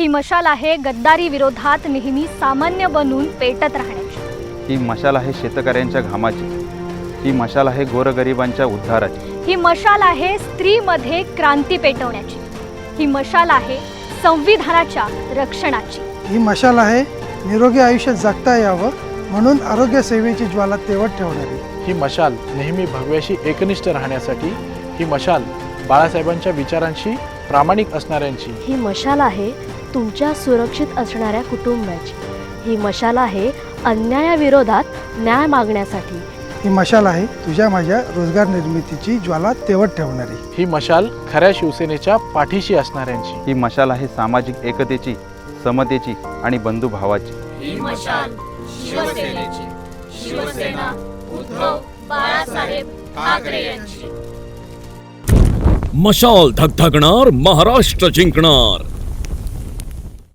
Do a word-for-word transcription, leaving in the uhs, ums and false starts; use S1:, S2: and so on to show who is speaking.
S1: ही मशाल आहे गद्दारी विरोधात नेहमी सामान्य बनून पेटत राहण्याची।
S2: ही मशाल आहे शेतकऱ्यांच्या घामाची, ही मशाल आहे गोरगरिबांच्या उद्धाराची,
S1: ही मशाल आहे स्त्रीमध्ये क्रांती पेटवण्याची, ही मशाल आहे संविधानाच्या रक्षणाची,
S3: ही मशाल आहे निरोगी आयुष्य जगता यावं म्हणून आरोग्य सेवेची ज्वाला तेवत ठेवणारी।
S4: ही मशाल नेहमी भगव्याशी एकनिष्ठ राहण्यासाठी, ही मशाल बाळासाहेबांच्या विचारांशी प्रामाणिक असणाऱ्यांची,
S5: ही मशाल आहे तुमच्या सुरक्षित असणाऱ्या कुटुंबाची, ही मशाल आहे अन्यायाविरोधात न्याय मागण्यासाठी,
S3: ही मशाल आहे तुझ्या माझ्या रोजगार निर्मितीची ज्वाला तेवत ठेवणारी।
S4: ही मशाल खऱ्या शिवसेनेच्या पाठीशी असणाऱ्यांची,
S2: ही मशाल आहे सामाजिक एकतेची, समतेची आणि बंधुभावाची।
S6: ही मशाल शिवसेनेची, शिवसेना उद्धव बाळासाहेब ठाकरे यांची।
S7: मशाल धगधगणार, महाराष्ट्र जिंकणार।